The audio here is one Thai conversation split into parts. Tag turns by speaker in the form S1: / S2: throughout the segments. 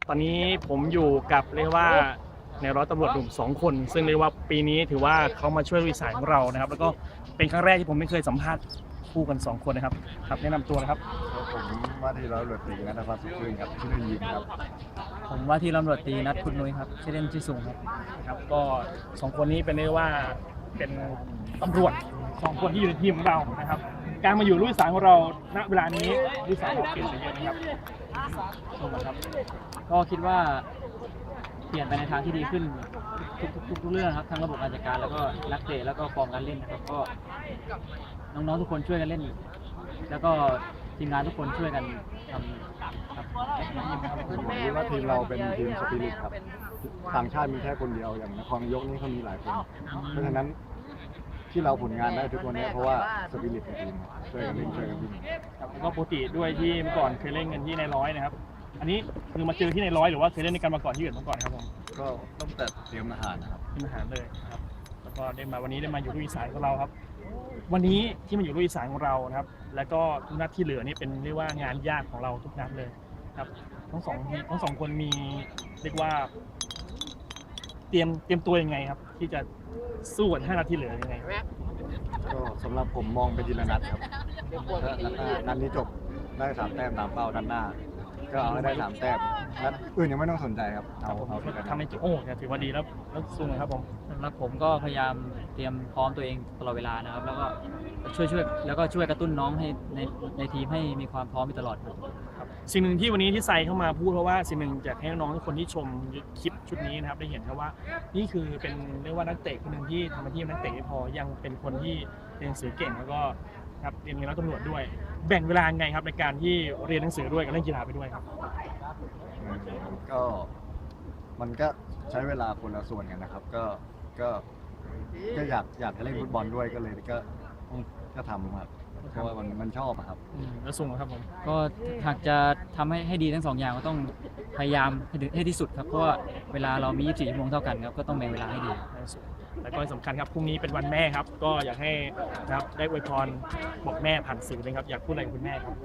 S1: ตอนนี้ผมอยู่กับเรียกว่าในร้อยตำรวจหนุ่ม2 คนซึ่งเรียกว่าปีนี้ถือว่าเขามาช่วยลุยสายของเรานะครับแล้วก็เป็นครั้งแรกที่ผมไม่เคยสัมภาษณ์คู่กัน2 คนนะครับครับแนะนำตัวนะครับ
S2: ผมว่าที่ร้อยตำรวจตรีนัทพัฒน์สุขชื่นครับชื่อเล่นยิงครับ
S3: ผมว่าที่ตำรวจตรีนัดคุณนุ้ยครับชื่อเล่นชื่อสุงครับ
S1: ครับก็2 คนนี้เป็นเรียกว่าเป็นตำรวจ2 คนที่อยู่ในทีมของเรานะครับการมาอยู่ลุยสายของเราณเวลานี้ลุยสายเราเปลี่ยนไปเยอะนะครับครับ
S3: ก็คิดว่าเปลี่ยนไปในทางที่ดีขึ้นทุกเรื่องครับทั้งระบบการจัดการแล้วก็นักเตะแล้วก็ฟอร์มการเล่นนะครับก็น้องๆทุกคนช่วยกันเล่น แล้วก็ทีมงานทุกคนช่วยกันทำครับ
S2: ผมคิดว่าทีมเราเป็นทีมสปิริตครับต่างชาติมีแค่คนเดียวอย่างนครนายกนี่เขามีหลายคนเพราะฉะนั้นที่เราผลงานได้ทุกวันนี้เพราะว่าสปิริตในทีมช่วยกันเล่นช่วยกันวิ่ง
S1: ครับก็ปกติด้วยที่เมื่อก่อนเคยเล่นกันที่ในร้อยนะครับอันนี้คือมาเจอที่ในร้อยหรือว่าเคยเล่นในกันมาก่อนที่อื่นมาก่อนครับผม
S2: ก็ต้องแต่เตรียมอาหารนะครับ
S1: ที่มหาเลยครับแล้วก็ได้มาวันนี้ได้มาอยู่ลุยสายของเราครับวันนี้ที่มาอยู่ลุยสายของเรานะครับแล้วก็ทุกนัดที่เหลือนี่เป็นเรียกว่างานยากของเราทุกนัดเลยครับทั้งสองคนมีเรียกว่าเตรียมตัวยังไงครับที่จะสู้กับ5 นัดที่เหลือยังไง
S2: ก็สำหรับผมมองไปทีละนัดครับถ้านัดนี้จบได้3 แต้มตามเป้านัดหน้าก็เอาให้ได้3 แต้มนัดอื่นยังไม่ต้องสนใจครับเอาที่กัน
S1: ทำให้โอ้ถือว่าดีแล้วสู้นะครับผม
S3: สำหรับผมก็พยายามเตรียมพร้อมตัวเองตลอดเวลานะครับแล้วก็ช่วยแล้วก็ช่วยกระตุ้นน้องให้ในทีมให้มีความพร้อมอยู่ตลอด
S1: ครับสิ่งหนึ่งที่วันนี้ที่ไซเข้ามาพูดเพราะว่าสิ่งหนึ่งอยากให้น้องทุกคนที่ชมคลิปชุดนี้นะครับได้เห็นครับว่านี่คือเป็นเรียกว่านักเตะคนหนึ่งที่ทำหน้าที่นักเตะไม่พอยังเป็นคนที่เรียนหนังสือเก่งแล้วก็ครับเรียนนักตำรวจด้วยแบ่งเวลาไงครับในการที่เรียนหนังสือด้วยกับเล่นกีฬาไปด้วยครับ
S2: ก็มันก็ใช้เวลาคนละส่วนกันนะครับก็อยากจะเล่นฟุตบอลด้วยก็เลยก็ทำครับเพราะว่ามันชอบครับ
S1: แล้วส่งครับผม
S3: ก็หากจะทำให้ดีทั้ง2 อย่างก็ต้องพยายามให้ที่สุดครับเพราะว่าเวลาเรามี24 ชั่วโมงเท่ากันครับก็ต้องแบ่งเวลาให้ดี
S1: แล้วก็สำคัญครับพรุ่งนี้เป็นวันแม่ครับก็อยากให้นะครับได้อวยพรบอกแม่ผ่านสื่อเลยครับอยากพูดอะไรกับคุณแม่ครับ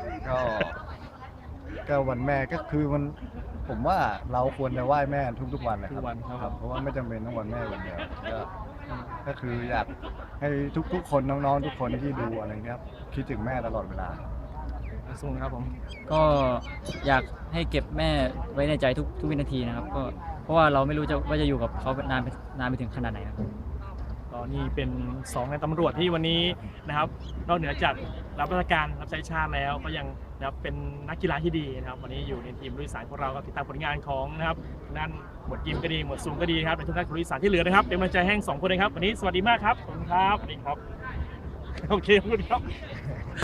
S2: ก็วันแม่ก็คือผมว่าเราควรจะไหว้แม่ทุกวันเลยครับเพราะว่าไม่จำเป็นต้องวันแม่วันเดียวก็คืออยากให้ทุกคนน้องๆทุกคนที่ดูอะไรเงี้ยคิดถึงแม่ตลอดเวลา
S1: ส่งครับผม
S3: ก็อยากให้เก็บแม่ไว้ในใจทุกวินาทีนะครับก็เพราะว่าเราไม่รู้ว่าจะอยู่กับเขานานไปถึงขนาดไหนครับ
S1: ก็นี่เป็น2 ในตำรวจที่วันนี้นะครับนอกเหนือจากรับราชการรับใช้ชาติแล้วก็ยังนะครับเป็นนักกีฬาที่ดีนะครับวันนี้อยู่ในทีมลุยสายของเราก็ติดตามผลงานของนะครับนั่นหมวดยิมก็ดีหมวดซูมก็ดีครับในทุกท่านลุยสายที่เหลือนะครับเป็นกำลังใจให้2 คนเลยครับวันนี้สวัสดีมากครับขอบคุณครับสวัสดีครับโอเคขอบคุณครับ